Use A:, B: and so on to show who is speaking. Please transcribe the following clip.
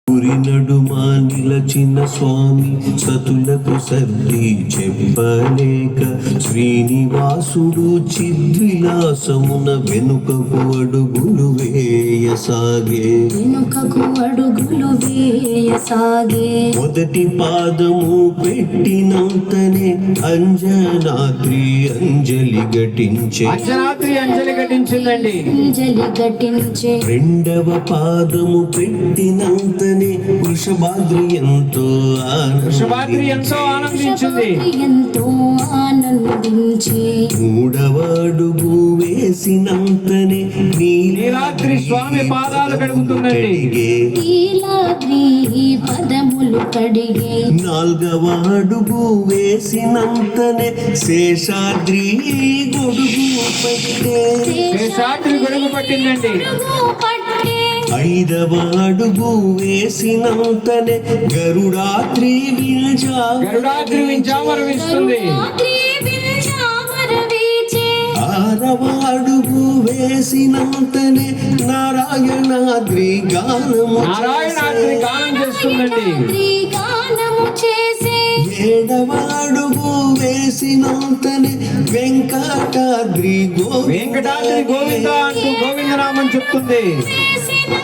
A: ఊరి నడుమా నిలచిన స్వామి సతులకు సర్ది చెప్పలేక శ్రీనివాసుడు చిద్విలాసమున వెనుకకు అడుగులు వేయసాగే మొదటి పాదము పెట్టినంతనే అంజనాద్రి అంజలి ఘటించిందండి. రెండవ పాదము పెట్టినంతనే వృషభాద్రి ఎంతో ఆనందించింది. మూడవ అడుగు వేసినంతనే
B: నీలాద్రి స్వామి పాదాలు కడుగుతుందండి.
C: పదములు కడిగే
A: నాల్గవ అడుగు వేసినంతనే శేషాద్రి
B: గొడుగు పట్టిందండి.
A: ఐదవ అడుగు వేసినంతనే గరుడాద్రి
B: వింజామరవిస్తుంది.
A: ఆరవ అడుగు వేసినంతనే నారాయణాద్రి గానం
B: చేస్తుందండి.
A: ఏడవ అడుగు వేసినంతనే వెంకటాద్రి
B: గోవింద అంటూ గోవిందనామం చెప్తుంది.